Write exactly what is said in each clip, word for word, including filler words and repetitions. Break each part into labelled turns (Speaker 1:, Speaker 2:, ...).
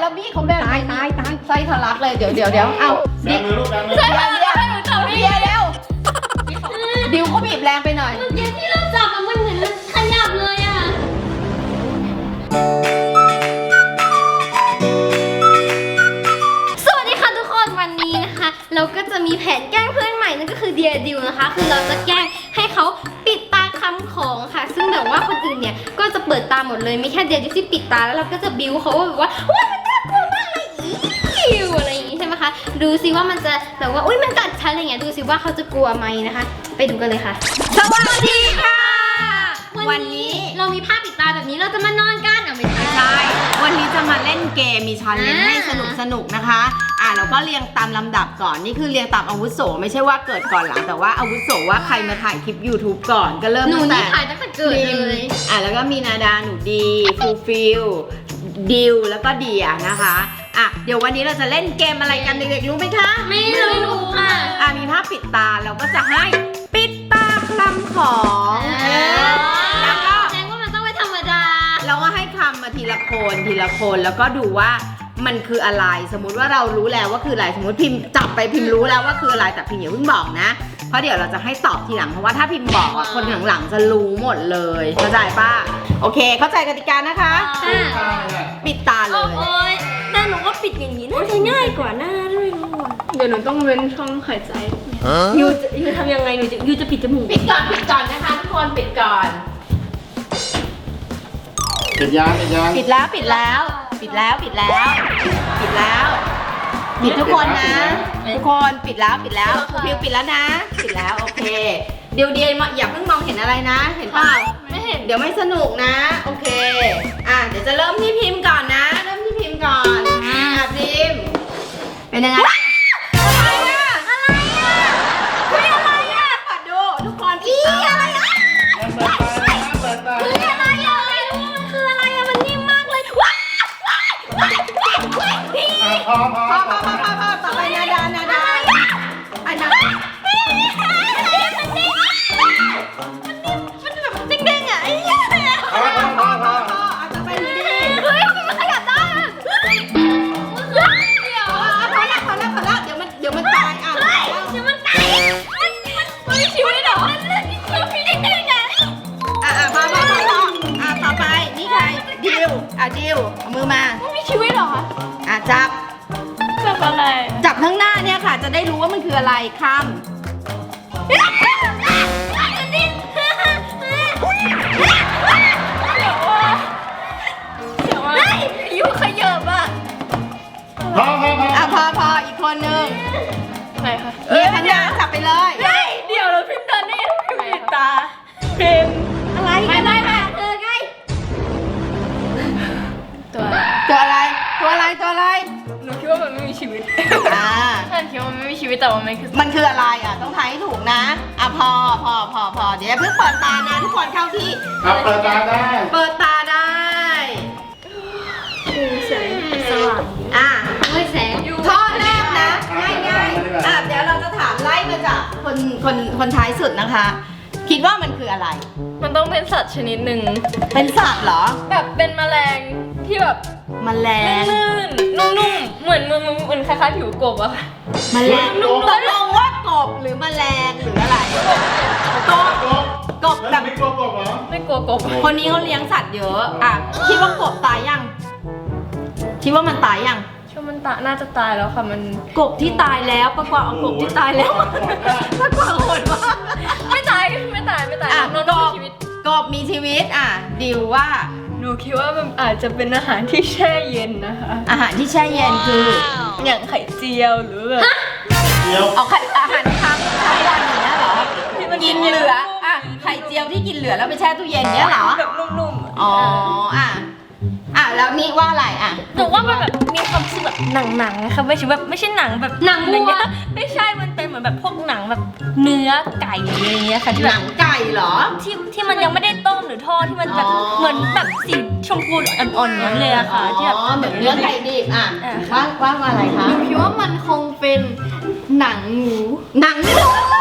Speaker 1: แล้วบี้เขาแบน
Speaker 2: ตายตายตาย
Speaker 1: ไส้ทะลักเลยเดี๋ยวเดี๋ยวเดี๋ยวเอา
Speaker 3: แบมือลูกแบมือ
Speaker 1: เบียร์เบียร์เบียร์เร็วดิวเขาบีบแรงไปหน่อย
Speaker 4: เมื่อกี้ที่เราจับมันเหมือนมันขยับเลยอ่ะสวัสดีค่ะทุกคนวันนี้นะคะ เราก็จะมีแผนแกล้งเพื่อนใหม่นั่นก็คือเดียดิวนะคะ คือเราจะแกล้งให้เขาปิดตาคำของค่ะ ซึ่งแบบว่าคนอื่นเนี่ยก็จะเปิดตาหมดเลยไม่แค่เดียดิวที่ปิดตาแล้วเราก็จะบิ้วเขาว่าแบบว่าว้ายมันน่ากลัวมากเลยอิวอะไรอย่างงี้ใช่ไหมคะดูซิว่ามันจะแบบว่าอุ้ยมันกัดฉันอะไรเงี้ยดูซิว่าเขาจะกลัวไหมนะคะ ไปดูกันเลยค่ะสวัสดีค่ะ วันนี้เรามีผ้าปิดตาแบบนี้เราจะมานอนกันอ่ะไม่ใช่
Speaker 2: ใช่วันนี้จะมาเล่นเกมมีชาเลนจ์
Speaker 4: อ่า
Speaker 2: ให้สนุกสนุกนะคะอ่ะเราก็เรียงตามลำดับก่อนนี่คือเรียงตามอาวุโสไม่ใช่ว่าเกิดก่อนหลังแต่ว่าอาวุโสว่าใครมาถ่ายคลิป YouTube ก่อนก็เริ่ม
Speaker 4: หนู
Speaker 2: ตั้งแต่
Speaker 4: นี่ถ่ายตั้งแต่เกิดเลย
Speaker 2: อ่ะแล้วก็มีนาดาหนูดีฟูฟิลดิวแล้วก็เดียนะคะอ่ะเดี๋ยววันนี้เราจะเล่นเกมอะไรกันเด็กๆรู้ไหมคะ
Speaker 4: ไม่รู้ค่ะ
Speaker 2: อ่ะมีผ้าปิดตาเราก็จะให้ปิดตาคลำของเออแล้วก็
Speaker 4: แสดงว่ามันต้องไม่ธรรมดา
Speaker 2: เราก็ให้คำมาทีละคนทีละคนแล้วก็ดูว่ามันคืออะไรสมมุติว่าเรารู้แล้วว่าคืออะไรสมมติพิมพ์จับไปพิมพ์รู้แล้วว่าคืออะไรแต่พิมพ์อย่าเพิ่งบอกนะเพราะเดี๋ยวเราจะให้ตอบทีหลังเพราะว่าถ้าพิมพ์บอกอะคนหลังๆจะรู้หมดเลยเข้าใจป่ะโอเคเข้าใจกติกานะคะ
Speaker 4: อ่า
Speaker 2: ปิดตาเลย
Speaker 4: โอ้ยแต่หนูว่าปิดอย่างนี้น่าจะง่ายกว่าหน้าด้วยมั้ง
Speaker 5: เดี๋ยวหนูต้องเว้นช่องหายใจ
Speaker 4: ยูจะยูทำยังไงยูจะยูจะปิดจมูก
Speaker 1: ปิดก่อนปิดก่อนนะคะทุกคนปิดก่อน
Speaker 3: ปิดยางปิดยาง
Speaker 2: ปิดแล้วปิดแล้ว ปิดแล้วปิดแล้ว ปิดแล้วปิดทุกคนนะทุกคนปิดแล้วปิดแล้วครูพิวปิดแล้วนะ ปิดแล้วโอเคเดี๋ยวเดียวอย่าเพิ่งมองเห็นอะไรนะ เห็นเปล่า
Speaker 5: ไม่เห็น
Speaker 2: เดี๋ยวไม่สนุกนะโอเคอ่ะเดี๋ยวจะเริ่มที่พิมพ์ก่อนนะ เริ่มที่พิมพ์ก่อนอ่ะพิมพ์เป็นยังไงอะไรอ่ะอะไรอ่ะเฮ้ยอะไรอ่ะขอดูทุกคนอีอะไรอ่ะ
Speaker 3: เปิดตา
Speaker 4: เฮ้ยอะไรอะไม่รู้มันคืออะไรอะมันนิ่มมากเลยว้าวว้าวว้าวว้าวว้าวพี่
Speaker 3: พอพอ
Speaker 2: พอพอพอพอพอต่อไปนาดานาดาอันนั้น
Speaker 4: มันนิ่มมันแบบเด้งๆอะไอ้เหี้ย
Speaker 3: พอพอพอพอ
Speaker 2: พออาจจะเป็นดี
Speaker 4: เฮ้ยมันขยับได้อะเดี๋ยว
Speaker 2: พอแล้วพอแล้วพอแล้วเดี๋ยวมันเดี๋ยวมันตายอ่ะ
Speaker 4: เฮ้ยเดี๋ยวมันตายมันมันมีชีวิตเหรอมันมีเด้งๆอะ
Speaker 2: อ่ะอ่ะพอพอพอพออ่ะต่อไปนี่ใครดิวอ่ะดิวเอามือมา
Speaker 4: มันมีชีวิตเหรอคะ
Speaker 2: อ่ะจับ
Speaker 5: จับอะไร
Speaker 2: จับข้างหน้าเนี่ยค่ะ จะได้รู้ว่ามันคืออะไรค
Speaker 4: มันนิ่ม
Speaker 5: เดี๋ยวว่า
Speaker 4: เฮ้ยยูขยับอะ
Speaker 3: พอพอพอ
Speaker 2: ำอ่ะพอพออีกคนนึง
Speaker 5: ไหนคะ
Speaker 2: เรียกข้างหน้าจับไปเลย
Speaker 5: เฮ้ยเดี๋ยวเราพิมพ์เดินได้ยังพิมพ์ปิดตาพิมพ์
Speaker 4: อะไรไม่ไม่ไม่เธอไง
Speaker 5: ตัว
Speaker 2: ตัวอะไรตัวอะไรตัวอะไร
Speaker 5: หนูคิดว่ามันไม่มีชีวิต
Speaker 2: อ่า
Speaker 5: ฉันคิดว่ามันไม่มีชีวิตแต่ว่ามันคือ
Speaker 2: มันคืออะไรอ่ะต้องทายให้ถูกนะอ่ะพอพอพอพอเดี๋ยวอย่าเพิ่งเปิดตานะทุกคนเข้าที่
Speaker 3: ครับเปิดตาได้
Speaker 2: เปิดตาได้
Speaker 5: แสงสว่าง
Speaker 2: อ่ะ
Speaker 4: เฮ้ยแสง
Speaker 2: ข้อแรกนะง่ายง่ายๆอ่ะเดี๋ยวเราจะถามไล่มาจากคนคนคนท้ายสุดนะคะ คิดว่ามันคืออะไร
Speaker 5: มันต้องเป็นสัตว์ชนิดหนึ่ง
Speaker 2: เป็นสัตว์เหรอ
Speaker 5: แบบเป็นแมลงที่แบบ
Speaker 2: แมลง
Speaker 5: ลื่นๆนุ่มๆเหมือนเหมือนเหมือนคล้ายๆผิวกบอะค่ะ
Speaker 2: แมลงตกลงว่ากบหรือแมลงหรืออะไรกบ
Speaker 3: กบ
Speaker 2: กบ
Speaker 3: แบ
Speaker 2: แบบ บ
Speaker 3: ไม่กบกบเหรอ
Speaker 5: ไม่กลัวกบ
Speaker 2: คนนี้เขาเลี้ยงสัตว์เยอะอ่ะคิดว่ากบตายยังคิดว่ามันตายยัง
Speaker 5: ช่วงมันตาน่าจะตายแล้วค่ะมัน
Speaker 2: กบที่ตายแล้วประกอบเอากบที่ตายแล้วประกอบโหดมาก
Speaker 5: ไม่ตายไม่ตายไม่ตาย
Speaker 2: อ่ะ
Speaker 5: นอน
Speaker 2: ก
Speaker 5: มี
Speaker 2: บ
Speaker 5: ชีวิต
Speaker 2: กบมีชีวิตอ่ะดิวว่า
Speaker 5: หนูคิดว่ามันอาจจะเป็นอาหารที่แช่เย็นนะคะ
Speaker 2: อาหารที่แช่เย็นคือ
Speaker 5: อย่างไข่เจียวหรือแบบ
Speaker 3: เดี๋ยว
Speaker 2: เอาไข่อาหารค้างค้างวันอย่างเงี้ยเหรอ
Speaker 5: ที่มัน
Speaker 2: กินเหลืออ่ะไข่เจียวที่กินเหลือแล้วไปแช่ตู้เย็นเงี้ยเหรอ
Speaker 5: แบบนุ่มๆ
Speaker 2: อ๋ออ่ะอ่ะแล้วนี่ว่าอะไรอ่ะ
Speaker 5: หนูว่ามันแบบมีความรู้สึกแบบหนังๆนะคะไม่ใช่แบบไม่ใช่หนังแบบ
Speaker 4: หนัง
Speaker 5: อะไร
Speaker 4: วัว
Speaker 5: เงี้ยไม่ใช่มันเป็นเหมือนแบบพวกหนังแบบเนื้อไก่อะไรเงี้ยค่ะที่
Speaker 2: ห
Speaker 5: แบ
Speaker 2: นั
Speaker 5: บ
Speaker 2: งไก่เหรอ
Speaker 5: ที่ที่มันยังไม่ได้ต้มหรือทอดที่มันแบบ
Speaker 2: อ๋อ
Speaker 5: เหมือนแบบสีชมพูอ่อนๆอย่างนั้นเลยอะค่ะที่แบบ
Speaker 2: อ๋อเหมือนเนื้อไก่ดิบอ่ะ
Speaker 5: อ่ะ
Speaker 2: ว่าว่าว่าอะไรคะ
Speaker 4: หนูคิดว่ามันคงเป็นหนังหมู
Speaker 2: หนังหมู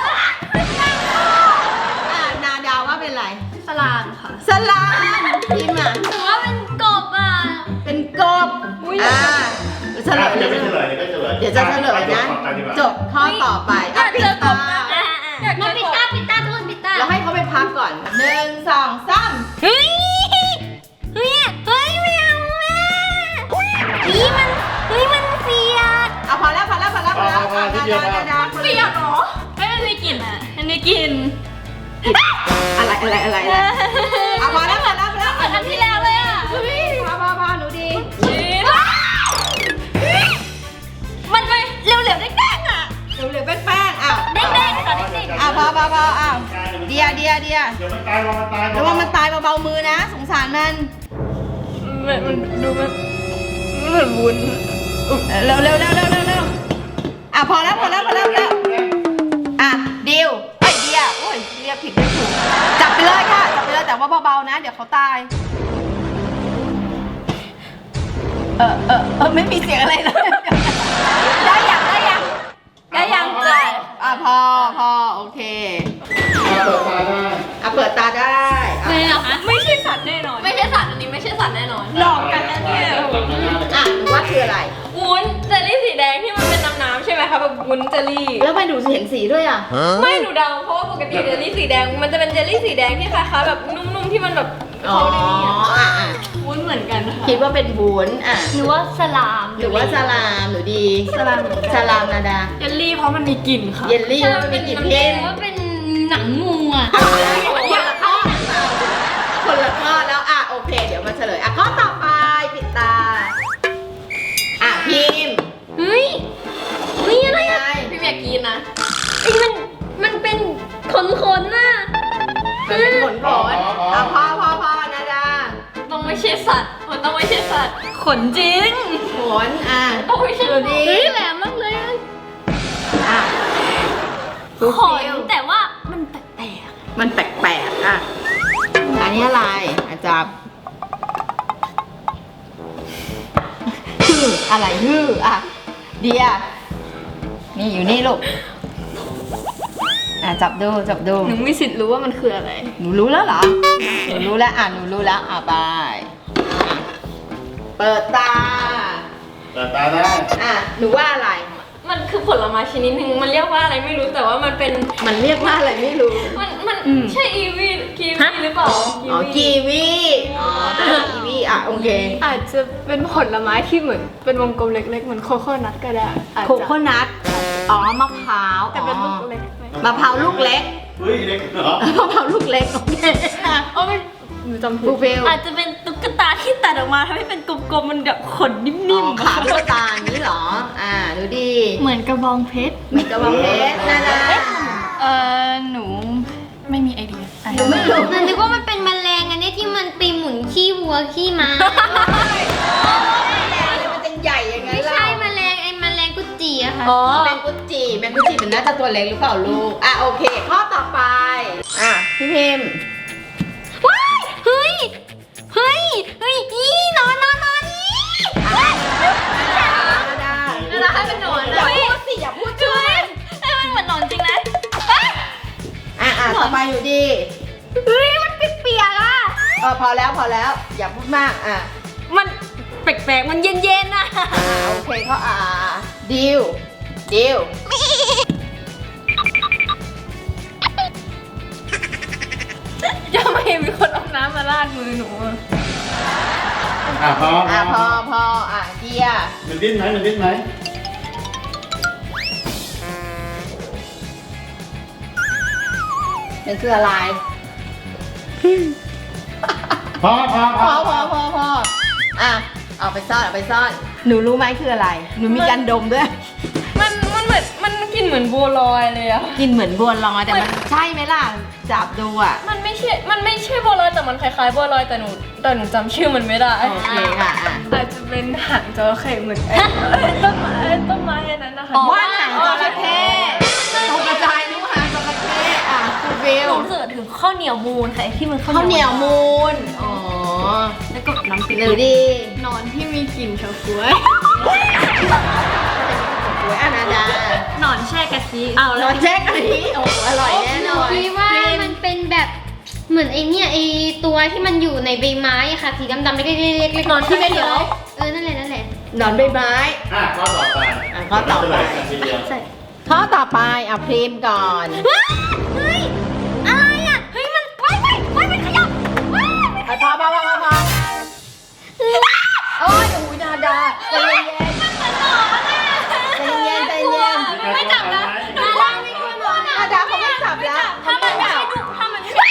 Speaker 2: อ่ะนาดาวว่าเป็นอะไร
Speaker 4: สลามค่ะ
Speaker 2: สลามพิมพ์อ่ะ
Speaker 4: หนูว่าเป็นกบอ่ะ
Speaker 2: เป็นกบอ่าเฉลย
Speaker 3: เดี๋ยวไม่เฉลยเดี๋ยวก็เฉลย
Speaker 2: เดี๋ยวจะเฉลยนะ จบข้อต่อไป
Speaker 5: อยาก
Speaker 2: ปิ
Speaker 5: เจ
Speaker 2: ด
Speaker 5: อกบ
Speaker 2: ตา
Speaker 5: มาก
Speaker 4: อ่ะ
Speaker 5: อยากเจ
Speaker 4: มา
Speaker 5: อ
Speaker 4: ปิด
Speaker 5: กบ
Speaker 4: ตาปิดตาทุกคนปิดตา
Speaker 2: เราให้เขาไปพักก่อนหนึ่งสองสาม
Speaker 4: เฮ้ยเฮ้ยเฮ้ยไม่เอาแม่นี่มันเฮ้ยมันเสียด
Speaker 2: เอาพอแล้วพอแล้วพอแล้วพอแล้วอ่ะดาดาดาดา
Speaker 5: เปรี้ยวเหรอไม่มันมีกลิ่นอ่ะมันมีกลิ่น
Speaker 2: อะไรอะไรอะไรอะไรเอาพอแล้วพอแล้วพอแล้ว
Speaker 5: เหมือนอันที่แล้วเลยอ่ะ
Speaker 2: เฮ้ยพอพอพอหนูดี
Speaker 5: ชีสมันไปเร็วๆแดงๆอ่ะ
Speaker 2: เหลือๆแป้งๆอ่ะ
Speaker 5: แดงๆค่ะเด็ก
Speaker 2: อ่ะพอพอพออ่ะเดียเดียเดีย
Speaker 3: เดี๋ยวมันตายระวังมันตาย
Speaker 2: ระวังมันตายเบาๆมือนะ สงสารมัน
Speaker 5: ๆมันมันดูมันเหมือนวุ้น
Speaker 2: เร็วเร็วเร็วเร็วเร็วเร็วอ่ะพอแล้วพอแล้วพอแล้วพอแล้วอ่ะดิวไอยเดียโอ้ยเรียกผิดเรียกถูกจับไปเลยค่ะจับไปเลยแต่ว่าเบาๆนะ เดี๋ยวเขาตาย เออเออเออไม่มีเสียงอะไรเลย ได้ยังได้ยัง
Speaker 5: ได้ยังจ้ะ
Speaker 2: อ่ะพอพอโอเค
Speaker 3: เปิดตาได้
Speaker 2: อ่ะเปิดตาได้อ่ะ
Speaker 4: เลยเหรอคะ
Speaker 5: ไม่ใช่สัตว์แน่นอน
Speaker 4: ไม่ใช่สัตว์อันนี้ไม่ใช่สัตว์แน่นอน
Speaker 5: หลอกกันนะเนี่ย
Speaker 2: อ่ะหนูว่าคืออะไร
Speaker 5: วุ้นเจลลี่สีแดงที่มันเป็นน้ำๆใช่ไหมคะแบบวุ้นเจลลี่
Speaker 2: แล้วทำไมหนูเห็นสีด้วยอ่ะ
Speaker 5: ไม่หนูเดาเพราะว่าปกติเจลลี่สีแดงมันจะเป็นเจลลี่สีแดงที่คล้ายๆแบบนุ่มๆที่มันแบบ
Speaker 2: อ๋อ
Speaker 5: เขาในนี้อะ
Speaker 2: อ่ะอ่ะ
Speaker 5: วุ้นเหมือนกันนะคะ
Speaker 2: คิดว่าเป็นวุ้นอ่ะ
Speaker 4: หรือว่าสลาม
Speaker 2: หรือว่าสลามหนูดี
Speaker 5: สลาม
Speaker 2: สลามนาดา
Speaker 5: เจลลี่เพราะมันมีกลิ่นค่ะ
Speaker 2: เยลลี่มันเป็นกลิ่นเค็ม
Speaker 4: หรือว่าเป็นหนังงูอ่ะ
Speaker 2: คนละข้อคนละข้อแล้วอ่ะโอเค เดี๋ยวมาเฉลยอ่ะข้อต่อไปปิดตา อ่ะพิมพ์
Speaker 4: เฮ้ยเฮ้ยอะไร
Speaker 2: ไง
Speaker 4: อ่ะ
Speaker 5: พี่อยากกินนะ
Speaker 4: ไอ้มันมันเป็นขนขนๆน่ะ
Speaker 2: มันเป็นขนขนอ่ะพ่อพ่อพ่อนาดา
Speaker 5: ต้องไม่ใช่สัตว์มันต้องไม่ใช่สัตว์ขนจริง
Speaker 2: ขนอ่ะ
Speaker 5: ต้องไม่ใช่
Speaker 2: ดูดี
Speaker 4: เฮ้ยแหลมมากเลยอะ
Speaker 2: อ่ะ
Speaker 4: ขนแต่ว่ามันแปลก
Speaker 2: มันแปลกๆอ่ะอันนี้อะไรอาจารย์ฮืออะไรฮืออ่ะเดียนี่อยู่นี่ลูกอ่ะจับดูจับดู
Speaker 5: หนูมีสิทธิ์รู้ว่ามันคืออะไร
Speaker 2: หนูรู้แล้วเหรอ หนูรู้แล้วอ่ะหนูรู้แล้วอ่ะไปเปิดตา
Speaker 3: เปิดตาได้
Speaker 2: อ่ะหนูว่าอะไร
Speaker 5: มันคือผลไม้ชนิดหนึ่งมันเรียกว่าอะไรไม่รู้แต่ว่ามันเป็น
Speaker 2: มันเรียกว่าอะไรไม่รู้
Speaker 5: มันมันใช่อีวีกีวีหรือเปล่า
Speaker 2: อ๋อกีวีอ๋อเป็นกีวีอ่ะโอเค
Speaker 6: อาจจะเป็นผลไม้ที่เหมือนเป็นวงกลมเล็กๆ เหมือนโคโค่นัทก็ได้อาจ
Speaker 2: โค
Speaker 6: จะ
Speaker 2: โคนัทอ๋อมะพร้าว
Speaker 6: แต่เป็น
Speaker 2: อ๋
Speaker 6: ลู
Speaker 2: อก
Speaker 6: เล็กไหม
Speaker 2: มะพร้าวลูกเล็ก
Speaker 3: เฮ้ยเล็กเหรอ
Speaker 2: มะพร้าวลูกเล็กโอเคอ่ะ
Speaker 6: โอ้ไม่หนูจำผิ
Speaker 2: บู
Speaker 6: ด
Speaker 2: เฟล
Speaker 5: อาจจะเป็นตุ๊กตาที่ตัดออกมาทำให้เป็นกลมๆมันแบบขนนิ่
Speaker 2: อ๋อ
Speaker 5: มๆ
Speaker 2: ขาลูกตาอย่างนี้เหรอ อ่าดูดี
Speaker 6: เหมือนกระบองเพชร
Speaker 2: เหมือนกระบอกเพชรนะนะ
Speaker 6: เออหนูไม่มีไอเดียอ่ะ
Speaker 2: หนูไม่รู้
Speaker 4: ๆมันนึกว่ามันเป็นแมลงอันนี้ที่มันไปหมุนขี้วัวขี้ม้า
Speaker 2: มันจะใหญ่ยังไง
Speaker 4: ไม่
Speaker 2: ล่ะ
Speaker 4: ใช่แมลงไอ้แมลงกุดจีอะค่ะ
Speaker 5: อ๋อ
Speaker 2: แมงกุดจีแมงกุดจีมันน่าจะตัวเล็กหรือเปล่าลูก อ่ะโอเค ข้อต่อไป อ่ะพี่พิมพ์
Speaker 4: ว้ายเฮ้ย เฮ้ย เฮ้ยอีนอนนอนนอนอี
Speaker 2: นาดา
Speaker 5: นาดาให้เป็นหนอน
Speaker 2: อ
Speaker 5: นะ
Speaker 2: ย่าพูดสิอย่าพูดชื่อ
Speaker 5: ให้มันเหมือนหนอนจริงนะ
Speaker 2: อ่ะอ่ะต่อไปอยู่ดี
Speaker 4: เฮ้ย มันเปียกๆอะ
Speaker 2: เออพอแล้วพอแล้ว อย่าพูดมาก อ่ะ
Speaker 5: มันแปลกๆมันเย็นๆนะ
Speaker 2: อ่าโอเคเขาอ่าดิวดิว
Speaker 5: จะไม่เห็นมีคนเอาน้ำมาราดมือหนูอะ
Speaker 3: อ่ะพอ
Speaker 2: อ่ะพอพออ่ะเดีย
Speaker 3: มันดิ้นไหมมันดิ้นไหม
Speaker 2: มันคืออะไร
Speaker 3: พอพอพ
Speaker 2: พ
Speaker 3: อ
Speaker 2: อพอพอพออ่ะเอาไปซ่อนเอาไปซ่อน หนูรู้ไหมคืออะไร หนูมีการดมด้วย
Speaker 5: มันมันเหมือนมันกินเหมือนบัวลอยเลยอะ
Speaker 2: กินเหมือนบัวลอยแต่มันใช่ไหมล่ะ จับดูอ่ะ
Speaker 5: มันไม่ใช่ มันไม่ใช่บัวลอยแต่มันคล้ายๆบัวลอยแต่หนูแต่หนูจำชื่อมันไม่ได้
Speaker 2: โอเคค่ะอ่ะ
Speaker 6: อาจจะเป็นหางจระเข้เหมือนไอ้เอ้ยต้นไม้ต้นไม้อันนั้นนะคะ
Speaker 2: ว่านหางจระเข้ตกกระจายนิ้วหางจระเข้อ่ะคุณฟิ
Speaker 5: ห
Speaker 2: ล
Speaker 5: นูเสิร์ชถึงข้าวเหนียวมูนค่ะไอ้ที่มัน
Speaker 2: ข้าวเหนียวมูนอ๋อ
Speaker 5: แล้วก็น้ำพริก
Speaker 2: หรือดี
Speaker 6: นอนที่มีกลิ่นเฉาก๊วย
Speaker 2: สวยอ่ะนาดา
Speaker 5: หนอนแช่กะทิเอา
Speaker 2: น
Speaker 5: แล้
Speaker 2: อ
Speaker 5: วน
Speaker 2: แจ็คอันนี้โอ้โหอร่อยแน่นอน
Speaker 4: คิดว่ามันเป็นแบบเหมือนไอเนี่ยไอตัวที่มันอยู่ในใบไม้อะค่ะสีดำๆเล็กๆๆๆ
Speaker 5: หนอนที่ไม่เหลือ
Speaker 4: เออนั่นแหละนั่นแหละ
Speaker 2: หนอนใบไม้
Speaker 3: อ่ะข้อต่อไป
Speaker 2: อ่ะข้อต่อไป
Speaker 3: เฉลยกันทีเดียว
Speaker 4: ใส่
Speaker 2: ข้อต่อไปเอาพรีมก่อน
Speaker 4: เฮ้ยอะไรอ่ะเฮ้ยมันไว้ไว้ไว้มันขยับว้ายมันข
Speaker 2: พอ
Speaker 4: ยับ
Speaker 2: พอพอพอพอโอ้ยโอ้ยนาดาใจเย็นใจเย็นใจเย็น
Speaker 3: ไม่จับนะ
Speaker 2: นาดาไม่ควรบอกนาดาเขาไม่จับแล้ว
Speaker 5: ถ้ามันไม่ใช่ดุถ้ามันไม่ใช่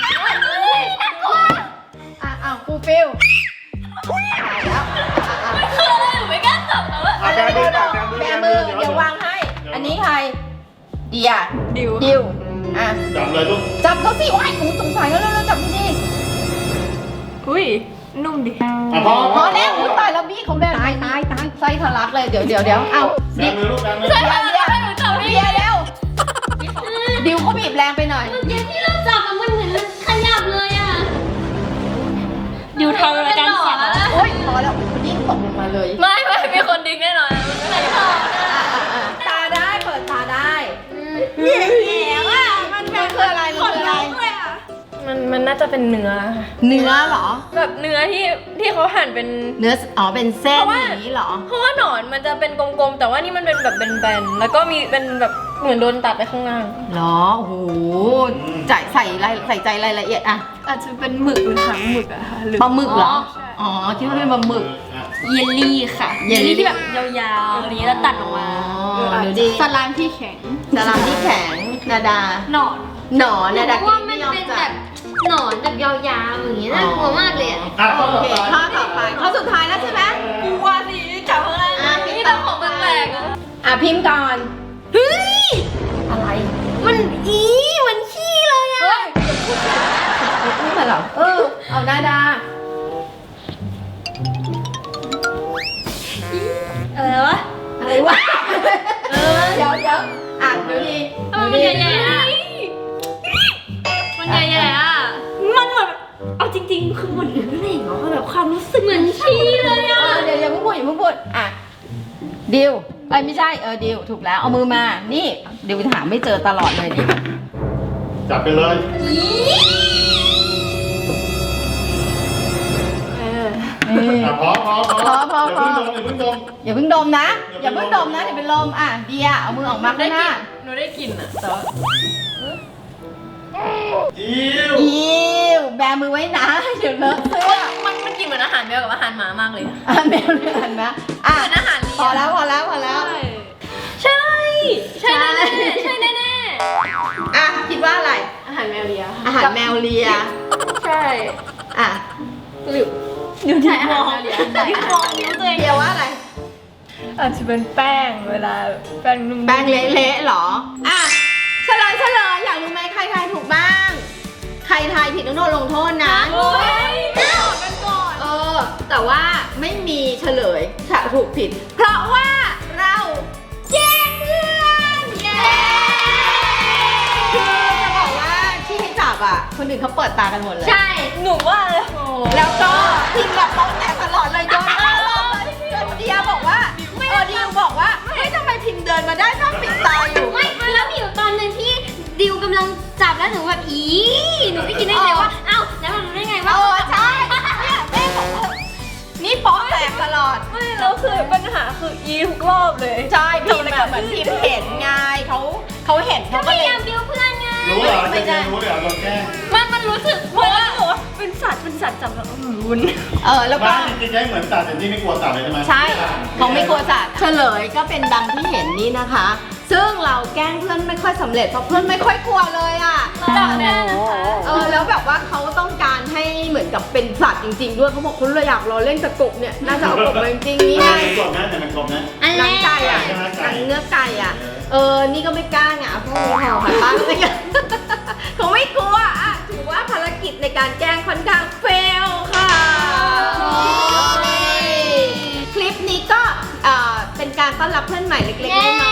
Speaker 2: อ่ะอ่ะฟูฟิลตายแล้วอ่ะอ่ะ
Speaker 5: คืออะไรหนูไม่กล้าจับแล้วอะ
Speaker 3: อ่ะ
Speaker 2: อะไร
Speaker 3: แบ
Speaker 2: ก็
Speaker 3: มือ
Speaker 2: ได้
Speaker 3: แบมือ
Speaker 2: แบมือ
Speaker 3: เดี๋ยว
Speaker 2: เดี๋ยววางให้ อันนี้ใครเดีย
Speaker 6: ดิว
Speaker 2: ดิวอ่ะ
Speaker 3: จับเลยลูก
Speaker 2: จับเขาสิว้ายหนูสงสัยแล้วเราจับดี
Speaker 6: อุ้ย นุ่มดิ
Speaker 3: อ่ะพอ
Speaker 2: พอแล้วอุ้ยตายแล้วบี้เขาแบบตายตายตายไส้ทะลักเลยเดี๋ยวเดี๋ยวเดี๋ยวเอา
Speaker 3: แบมือลูกแบมือ
Speaker 2: เดียวเดียวเดียวเร็วดิวเขาบีบแรงไปหน่อย
Speaker 4: เดี๋ยวที่เราจับอะมันเหมือนมันขยับเลยอ่ะ
Speaker 5: ดิวทำรายการเสียงแล้ว
Speaker 2: โอ้ยพอแล้วคุณยิ่งตกลงมาเลย
Speaker 5: ไม่ไม่มีคนดึงแน่นอนมันไม่ได้
Speaker 2: ตาได้เปิดตาได้
Speaker 5: แข็งอ่ะมัน
Speaker 2: มันคืออะไรมันคืออะไร
Speaker 5: มันมันน่าจะเป็นเนื้อ
Speaker 2: เนื้อเหรอ
Speaker 5: แบบเนื้อที่ที่เขาหั่นเป็น
Speaker 2: เนื้ออ๋อเป็นเส้น
Speaker 5: เพราะว่า
Speaker 2: อย่างนี้เหรอ
Speaker 5: เพราะว่าหนอนมันจะเป็นกลมๆ แต่ว่านี่มันเป็นแบบแบนๆ แล้วก็มีเป็นแบบเหมือนโดนตัดไปข้างล่าง
Speaker 2: เหรอโอ้โหใจใส่รายใส่ใจรายละเอียดอะ
Speaker 6: อาจจะเป็นหมึกหรือหางหมึกอะค่ะหรือ
Speaker 2: ปลาหมึกเหรอ
Speaker 6: ใช่
Speaker 2: อ๋อคิดว่าเป็นปลาหมึก
Speaker 3: อ่ะ
Speaker 5: เยลลี่ค่ะ
Speaker 2: เยลลี่
Speaker 5: ที่แบบยาวๆอะไรอย่างนี้แล้วตัดออกมา
Speaker 2: อ๋อเดี๋ยวดี
Speaker 6: สลามที่แข็ง
Speaker 2: สลามที่แข็งนาดา
Speaker 6: หนอน
Speaker 2: หนอน
Speaker 4: หนู
Speaker 2: นาดา
Speaker 4: ว่า
Speaker 2: กิน
Speaker 4: มั
Speaker 2: ไม่
Speaker 4: น
Speaker 2: ยอม
Speaker 4: เป็น
Speaker 2: จั
Speaker 4: แบบ บหนอนแบบยาวๆอย่างเงี้ยน่ากลัวมากเลยอ่ะ
Speaker 3: อ่ะข้อ
Speaker 2: โอ
Speaker 3: ต่อ
Speaker 2: เค
Speaker 3: ไป
Speaker 2: ข้อต่อไปข้อสุดท้ายแล้วใช่ไหม
Speaker 5: กลัวสิจับข้างล่าง
Speaker 2: อ่ะพิม
Speaker 5: นี่
Speaker 2: พ์
Speaker 5: ต้
Speaker 2: ต่
Speaker 5: องของแปลกๆอะ
Speaker 2: อ่ะพิมพ์ก่อน
Speaker 4: เฮ้ย
Speaker 2: อะไร
Speaker 4: มันอีมันขี้เลยอ่ะ
Speaker 2: เฮ้ยพูดเหรอเออเอานาดา
Speaker 5: อะไรวะ
Speaker 2: อะไรวะเออเดี๋ยวเดี๋ยวอ่ะดูดี
Speaker 5: ทำไมมันใหญ่ๆอ่ะมันใหญ่ๆอ่ะมันเหมือนเอาจริงๆคือเหมือนเนื้อเหล็กเหรอแบบความรู้สึกเหมือนขี้เลย
Speaker 2: เอ
Speaker 5: อ่ะ
Speaker 2: อเดี๋ยวอย่าเพิ่งพูดอย่าเพิ่งพูดอ่ะดิวไอ้ยไม่ใช่เออดิวถูกแล้วเอามือมานี่ดิวหาไม่เจอตลอดเลยนี่
Speaker 3: จับไปเลย
Speaker 6: เออ
Speaker 3: อ่ะพอพอพอ
Speaker 2: พอพอพอ
Speaker 3: อย่าเพิ่งดมอย่าเพิ่งดม
Speaker 2: อย่าเพิ่งดมนะ อย่าเพิ่งดมนะเดี๋ยวเป็นลมอ่ะเดียเอามือออกมาข้างหน้า
Speaker 5: หนูได้กลิ่นอ่ะแต่ว่า
Speaker 3: อิ้ว
Speaker 2: อิวแบมือไว้นะเดี๋ยวเลอะเสื้อ
Speaker 5: มันมันกินเหมือนอาหารแมวกับอาหารหมามากเลยอะ
Speaker 2: อ่ะแมวเลือนนะอ่ะ
Speaker 5: เหมือนอาหารเลี้ยง
Speaker 2: พอแล้วพอแล้วพอแล้ว
Speaker 5: ใช่ ใช่แน่ๆใช่แน่
Speaker 2: อ่ะคิดว่าอะไร
Speaker 6: อาหารแมวเลีย
Speaker 2: อาหารแมวเลีย
Speaker 6: ใช่
Speaker 2: อ่ะ
Speaker 6: หรือ
Speaker 5: ๆดูที่มองที่มองนิ้วตัวเอง
Speaker 2: เดียวว่าอะไร
Speaker 6: อาจจะเป็นแป้งเวลาแป้งนุ่มๆ
Speaker 2: แป้งเละๆเหรอ อ่ะเฉลยเฉลยอยากรู้ไหมใครทายถูกบ้าง ใครทายผิดต้องโดนลงโทษนะ
Speaker 5: โอ้ย
Speaker 6: กันก่อน
Speaker 2: เออ แต่ว่าไม่มีเฉลยถ้าถูกผิด เพราะว่าเราแย่งเพื่อนเย้คือจะบอกว่าที่ให้จับอ่ะ คนอื่นเขาเปิดตากันหมดเลย
Speaker 4: ใช่
Speaker 5: หนูว่าเลย
Speaker 2: แล้วก็พิมพ์แบบต้องแตกตลอดเลยโดนตลอดจนเดียบอกว่าเออเดียบอกว่าเฮ้ยทำไมพิมพ์เดินมาได้ถ้าปิดตาอยู่
Speaker 4: ไม่แล้วมีอยู่ตอนหนึ่งที่ดิวกำลังจับแล้วหนูแบบอีหนูไม่คิดได้ไงว่าเอ้าแล้วมันรู้ได้ไงว่า
Speaker 2: เออใช่เนี่ยแม่บอกว่านี่โป๊ะแตกตลอด
Speaker 5: ไม่แล้วคือปัญหาคืออีทุกรอบเลย
Speaker 2: ใช่พิมพ์แบบเหมือนพิมพ์เห็นไงเขาเขาเห็นเขา
Speaker 4: พ
Speaker 2: ก็เลย
Speaker 4: ายามดิวเพื่อนไง
Speaker 3: รู้เหรอจะเรียนรู้เดี๋ยวเราแก้
Speaker 5: มันมันรู้สึกเพราะว่าหนูว่าเป็นสัตว์เป็นสัตว์จับแล้วอืมวุ้น
Speaker 2: เออแล้วก็
Speaker 3: บ้านจริงๆใช้เหมือนสัตว์แต่ที่ไม่กลัวสัตว์เลยใช่ไหม
Speaker 2: ใช่เขาไม่กลัวสัตว์เฉลยก็เป็นดังที่เห็นนี่นะคะ ซึ่งเราแกล้งเพื่อนไม่ค่อยสำเร็จเพราะเพื่อนไม่ค่อยกลัวเลยอ่ะ
Speaker 5: จับแน่นะคะ
Speaker 2: เออแล้วแบบว่าเขาต้องการให้เหมือนกับเป็นสัตว์จริง ๆ ด้วยเขาบอกคุณเลยอยากรอเล่นตะกบเนี่ยน่าจะเอากบมาจริงๆนี่ไง
Speaker 3: มันกลมนะแต่มันกลมนะ
Speaker 4: อัน
Speaker 2: ห
Speaker 4: แร
Speaker 2: นัง
Speaker 4: ก
Speaker 2: ไก่อ่ะ
Speaker 3: ใช่ไหม
Speaker 2: ห
Speaker 3: ไก่
Speaker 2: นังเนื้อไก่อ่ะ เออ นี่ก็ไม่กล้าไงอ่ะพวกนี้แถวค่ะบ้านอะไรเงี้ยเขาไม่กลัวอ่ะถือว่าภารกิจในการแกล้งค่อนข้างเฟลค่ะ คลิปนี้ก็เอ่อเป็นการต้อนรับเพื่อนใหม่เล็กๆน้